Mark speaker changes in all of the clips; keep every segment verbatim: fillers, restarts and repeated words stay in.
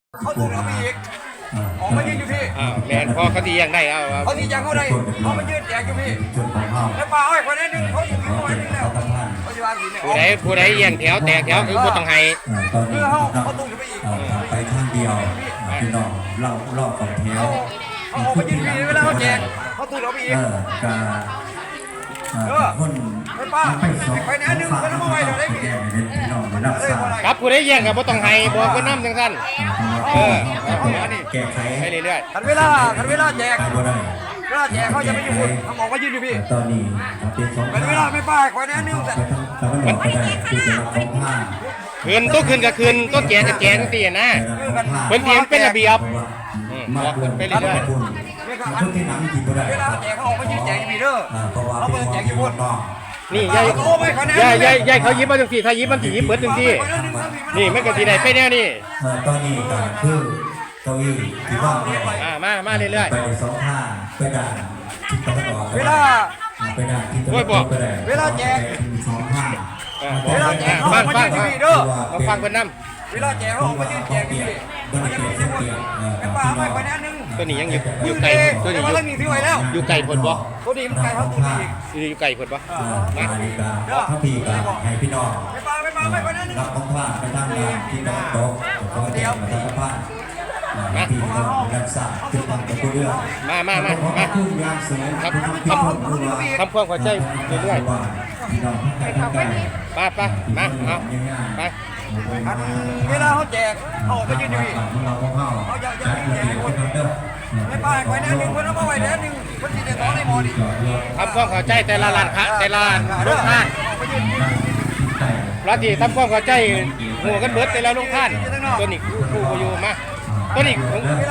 Speaker 1: เขาถูกเราไปอีกออกมายืนอยู่พี่
Speaker 2: อ้าวแมนพอเขาดียังได้เอา
Speaker 1: เขาทียังเขาได้เขามายืนแจกอยู่พี่แล้วปลาอ้อยคนนั้นนึงเขาอยู่ที่คนนึงแล้วเขาจะวางหินเนี่ย
Speaker 2: ผู้ใดผู้ใดเยี่ยงแถวแตกแถวคือผู้ต้องให้
Speaker 1: เพื่อเขาเขาถูกไปอีก
Speaker 3: ไปข้างเดียวพี่น้องเล่าเล่าของแถว
Speaker 1: เขาออกมายืนพี่เวลาเขาแจกเขาถูกเราไปอีก
Speaker 3: เออคน
Speaker 1: ไม่ป้าไปแน่นึงคนนั้นมาไว้เดี๋ยวได้พี่
Speaker 2: ครับผู้ใดเยี่ยงกับผู้ต้องให้บอกคนน้ำจังสั้นเออ
Speaker 3: แก้ไข
Speaker 2: ให้เรื่อย
Speaker 1: ๆทันเวลาทันเวลาแจกเวลาแจกเขาจะไม่อยู่บนเขาออกมายืนอยู่พี่
Speaker 3: ตอนนี้
Speaker 1: เป็นเวลาไม่ป้าคอยแน่นึงแต่
Speaker 3: มันก็ได้คือจะรับของผ้า
Speaker 2: คืนต้นคืนกับคืนต้นแจกกับแจกตีนะเป็นเทียมเป็นระเบียบบอกไปเรื่อย
Speaker 3: คนที่นั่งกินก็ได้
Speaker 1: เวลาแจกเขาออกมายืนแจกอยู่พี่เด้อเขาเปิดแจกอยู่บน
Speaker 2: นี่ยายยายยายยายเขายิ้มมาจังสี่ถ้ายิ้มมันสียิ้มเปิดจังสี่นี่ไม่กันสีไหนไปแน่นี่
Speaker 3: ตอนนี้ก็คือเก้าอี้ที่ว่าง
Speaker 2: อ่ามามาเรื่อย
Speaker 3: ๆไปสองข้างไปด่านทิศตะวันออก
Speaker 1: เวลา
Speaker 3: ไปด่านทิศตะวันตกไปได้
Speaker 1: เวลาแจก
Speaker 3: สองข้าง
Speaker 1: เวลาแจกเขาออกมายืนอยู่พี่เด้อ
Speaker 2: มาฟังคนน้
Speaker 1: ำเวลาแจกเขาออกมายืนแจกอยู่พี่มันจะมีทั้งหมดไอ้ปลาไม่คอยแน่นึง
Speaker 2: ตัวนี้ยังอยู่อยู่ไก่ตัวนี้อยู่
Speaker 1: ที่ไว้แล้ว
Speaker 2: อยู่ไก่ผลบ่
Speaker 1: ตัวนี้มันไก่เขาตัวนี้
Speaker 2: อยู่ไก่ผลบ่
Speaker 3: มาดีกาถ้าพี่กาให้พี่น้อง
Speaker 1: ไม่ปลาไม่ปลาไม่คอยแน่นึง
Speaker 3: รับของผ้าไปทำงานที่ตะวันตกเขาเดียวมาทำผ้าพี่น้องรักษาคือทำกับตัวเรื่อง
Speaker 2: มามามามา
Speaker 3: ทำ
Speaker 2: ทำทำความเข้าใจเรื่อยๆป้าป้ามาเอาไป
Speaker 1: เวลาเขาแจกเขาไปยืนอยู่เขาจะจะแจกคนไม่ป้าคอยแน่นึงคนเอามาไว้แน่นึงคนที่จะต้องในหมอดิ
Speaker 2: ทำความเข้าใจแต่ละร้านค้าแต่ละลูกค้าร้านที่ทำความเข้าใจหัวกันเบิดแต่ละลูกค้าตัวนี้ผู้บอยู่มาตัวนี้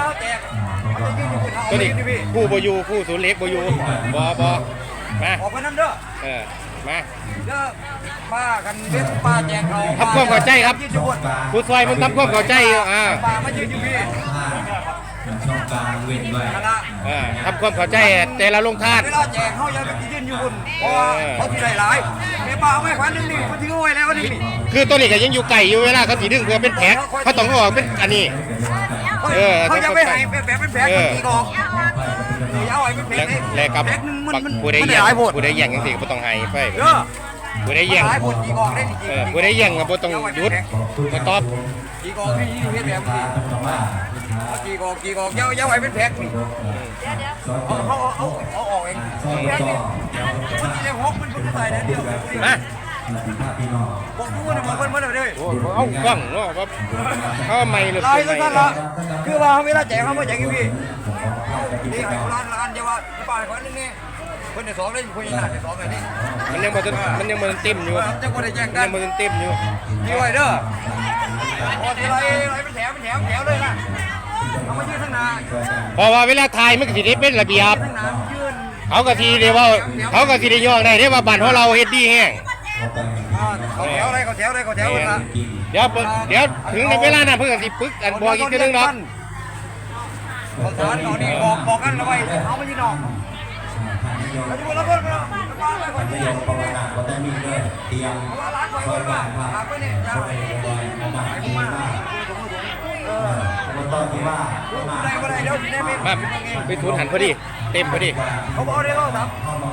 Speaker 2: ตัวนี้ผู้บอยู่ผู้ศูนย์เล็กบอยู่บอบอมา
Speaker 1: ออกไปนั่นเด้อ
Speaker 2: เออมา
Speaker 1: เด้อป้ากันเด็ดป้าแจกเขา
Speaker 2: ทำความเข้าใจครับผู้ซอยมันทำความเข้าใจอ่า
Speaker 1: ป้ามายืนอยู่พี่
Speaker 3: ช่องกลางเว้นไว้
Speaker 2: ทำความเข้าใจแต่ละลงทาน
Speaker 1: เวลาแจกเขายังไปยืนอยู่บนเพราะว่าเขาที่หลายๆไม่ป้าไม่ควันนึงนี่เขาทิ้งเอาไว้แล้วนี่
Speaker 2: คือตัวนี้ก็ยังอยู่ไก่อยู่เวลาเขาสีดึงเพื่อเป็นแผลเขาต้องออกเป็นอันนี้
Speaker 1: เออเขาจะไม่ให้แบบเป็นแผลกี่กองเอาไว้เป็นแผล
Speaker 2: แล้วกับผู้ใดแย่งผู้ใดแย่งยังสิก็ต้องให้ไปผู้ใดแย่งเออผู้ใดแย่งก็ต้องหยุดก็ตอบ
Speaker 1: กี่กองที่ยืนแบบนี้กี่กองกี่กองเย้าเย้าไว้เป็นแผลนี่เขาเขาเอาเอาออกเองแผลนี่มันจะเลี้ยงฮอกมันมันจะตายแล้วเดียว
Speaker 2: นะ
Speaker 1: บอกกูว่าบอกมันมันเลย
Speaker 2: เอากล้องเนาะครับเขาไม่เลย
Speaker 1: ลายสั้นละคือว่าเวลาแจกเขาไม่แจกอยู่พี่นี่ร้านร้านเดียวว่าป้ายคนนึงนี่คนที่สองเลยคนที่หน้าที่สองเลยนี่
Speaker 2: มันยังมันมันยังมันเต็มอยู่
Speaker 1: จะคนได้แจกกัน
Speaker 2: มันเต็มอยู่
Speaker 1: นี่ไว้เด้อพอทีไรไรเป็นแถวเป็นแถวแถวเลยนะเอามายืนข้างหน้า
Speaker 2: เพราะว่าเวลาถ่ายมันก็สิได้เป็นระเบียบเขาก็ทีเดียวว่าเขาก็สิได้ย่อได้ได้ว่าบ้านของเราเฮ็ดดีแห้ง
Speaker 1: เขาแถวอะไรเขาแถวอะไรเขาแถวกันละ
Speaker 2: เดี๋ยวเดี๋ยวถึงในเวลานั้นเพื่อนสิปึกกันบอกอีกทีนึงเนาะ
Speaker 1: เขาสารเขานี่บอกบอกกันเอาไว้เขาไม่ยืนออกแล้วทุกคนแล้วก็มาไปคนเดียว
Speaker 3: ภาวนาก็ต้องมีด้วยเตรียมซอยบ้านพาคนในซอยอาบานดีมากเออวันตอนที่ว่า
Speaker 2: มาไปทุนหันพอดีเต็มพอดี
Speaker 1: เขาบอกได้ก็ครับ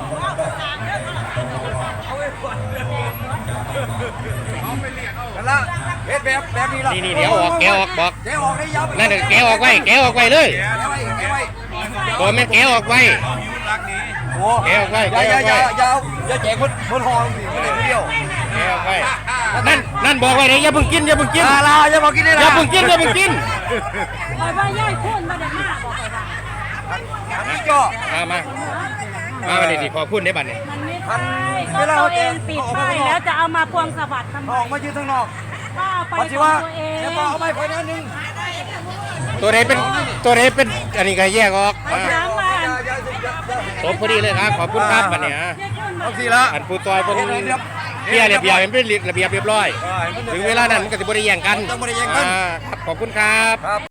Speaker 1: กันละเฮ็ดแบบแบบนี้ละ
Speaker 2: นี่นี่เดี๋ยวออกแกออกบอก
Speaker 1: แกออกได้ยาว
Speaker 2: นั่นแกออกไว้แกออกไว้เลยตัวแม่แกออกไว้แกออกไว้แกออกไว้
Speaker 1: ยาวยาวยาวอย่าแจกบนบนหอสิไม่ได้เดียว
Speaker 2: แกออกไว้นั่นนั่นบอกไว้เลยอย่าเพิ่งกินอย่าเพิ่งกิน
Speaker 1: ลาอย่าบอกกินเลย
Speaker 2: อย่าเพิ่งกินอย่าเพิ่งกิน
Speaker 4: บอกว่าย่อยคุณมาได้มากบอกเลย
Speaker 1: อันนี้ก็
Speaker 2: มามามาไปเลยดิพอพูดได้บัดเนี่ย
Speaker 4: มันไม่ใช่ก็ตัวเองปิดป้ายแล้วจะเอามาพวงสวัสดิ์ทำไม
Speaker 1: ออกมายืนข้างนอก
Speaker 4: ก็เอาไปของตัวเอง
Speaker 1: แล้วก็เอาไปคนนั้นนึง
Speaker 2: ตัวไหนเป็นตัวไหนเป็นอันนี้ก็แยกออกสมพอดีเลยครับขอบคุณครับบัดเนี่ย
Speaker 1: เอาสิละ
Speaker 2: อันผู้ต่อยเป็นเบี้ยเรียบเรียบเป็นระเบียบเรียบร้อยถึงเวลานั้นมันก็จะบริแย่งกัน
Speaker 1: ต้องบริแย่งกัน
Speaker 2: ขอบคุณครับ